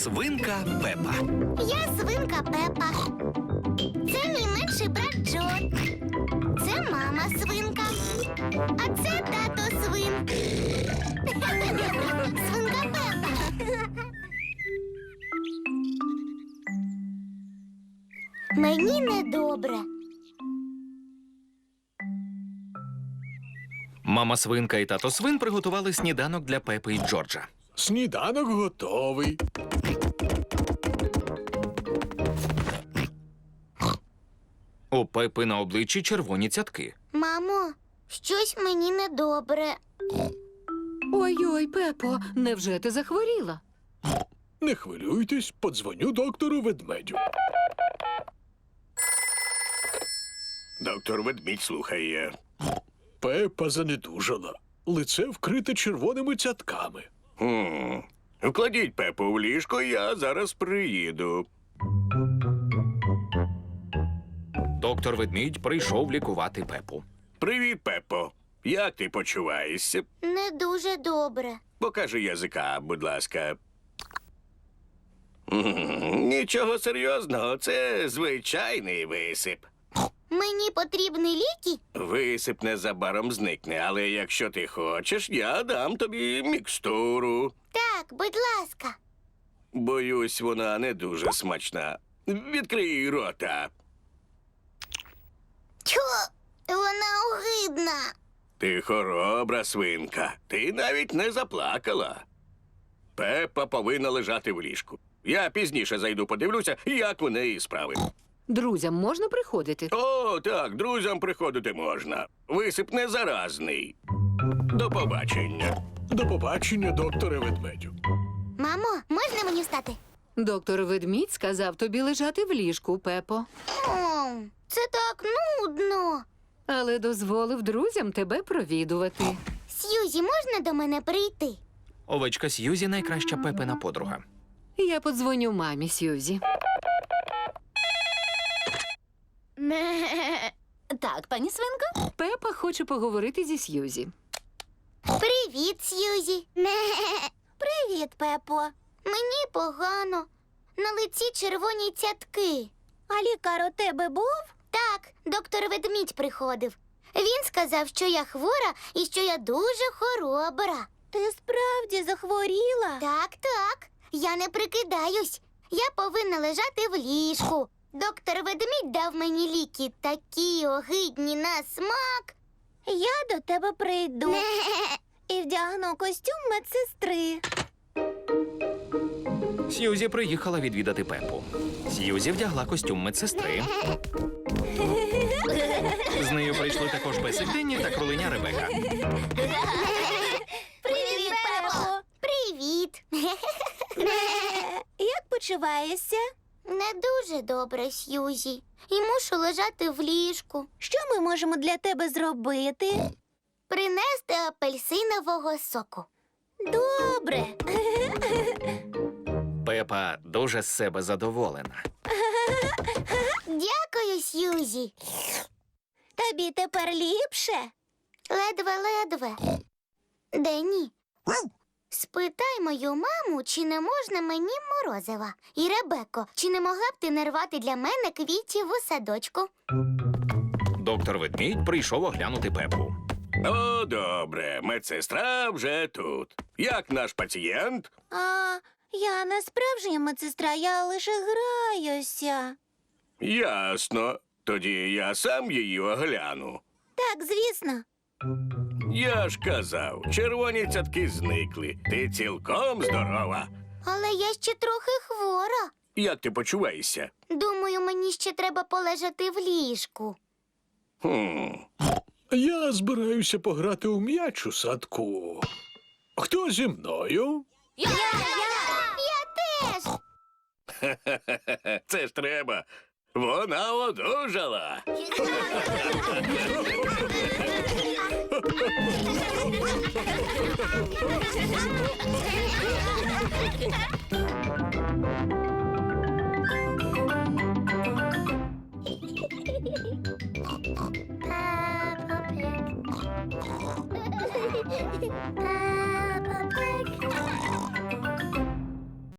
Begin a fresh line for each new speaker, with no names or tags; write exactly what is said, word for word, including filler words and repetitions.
Свинка Пепа.
Я свинка Пепа. Це мій менший брат Джо. Це мама свинка. А це тато свин. Свинка Пепа. Мені недобре.
Мама свинка і тато свин приготували сніданок для Пепи і Джорджа.
Сніданок готовий.
У Пепи на обличчі червоні цятки.
Мамо, щось мені недобре.
Ой-ой, Пепо, невже ти захворіла?
Не хвилюйтесь, подзвоню доктору Ведмедю.
Доктор Ведмідь слухає.
Пепа занедужала. Лице вкрите червоними цятками.
Хм. Вкладіть Пепу в ліжко, я зараз приїду.
Доктор Ведмідь прийшов лікувати Пепу.
Привіт, Пепо. Як ти почуваєшся?
Не дуже добре.
Покажи язика, будь ласка. М, Нічого серйозного, це звичайний висип.
Мені потрібні ліки?
Висип незабаром зникне, але якщо ти хочеш, я дам тобі мікстуру.
Так, будь ласка.
Боюсь, вона не дуже смачна. Відкрий рота.
Тьху, вона огидна.
Ти хоробра свинка. Ти навіть не заплакала. Пепа повинна лежати в ліжку. Я пізніше зайду подивлюся, як у неї справи.
Друзям можна приходити?
О, так, друзям приходити можна. Висип не заразний. До побачення.
До побачення, докторе Ведмедю.
Мамо, можна мені встати?
Доктор Ведмідь сказав тобі лежати в ліжку, Пепо.
О, це так нудно.
Але дозволив друзям тебе провідувати.
Сьюзі, можна до мене прийти?
Овечка Сьюзі найкраща Пепина подруга.
Я подзвоню мамі Сьюзі.
Так, пані свинко?
Пепа хоче поговорити зі Сьюзі.
Привіт, Сьюзі. Привіт, Пепо. Мені погано. На лиці червоні цятки. А лікар у тебе був? Так, доктор Ведмідь приходив. Він сказав, що я хвора і що я дуже хоробра. Ти справді захворіла? Так, так. Я не прикидаюсь. Я повинна лежати в ліжку. Доктор Ведмідь дав мені ліки такі огидні на смак. Я до тебе прийду. І вдягну костюм медсестри.
Сьюзі приїхала відвідати Пепу. Сьюзі вдягла костюм медсестри. З нею прийшли також песик Денні та кролиня Ребека.
Привіт, Пепо! Привіт! Як почуваєшся? Не дуже добре, Сьюзі. І мушу лежати в ліжку. Що ми можемо для тебе зробити? Принести апельсинового соку. Добре.
Пепа дуже з себе задоволена.
Дякую, Сьюзі. Тобі тепер ліпше? Ледве-ледве. Денні, спитай мою маму, чи не можна мені морозива. І, Ребеко, чи не могла б ти нарвати для мене квітів у садочку?
Доктор Ведмідь прийшов оглянути Пепу.
О, добре, медсестра вже тут. Як наш пацієнт?
А, я не справжня медсестра, я лише граюся.
Ясно. Тоді я сам її огляну.
Так, звісно.
Я ж казав, червоні цятки зникли. Ти цілком здорова.
Але я ще трохи хвора.
Як ти почуваєшся?
Думаю, мені ще треба полежати в ліжку.
Хм.
Я збираюся пограти у м'яч у садку. Хто зі мною?
Я, я, я теж.
Це ж треба. Вона одужала.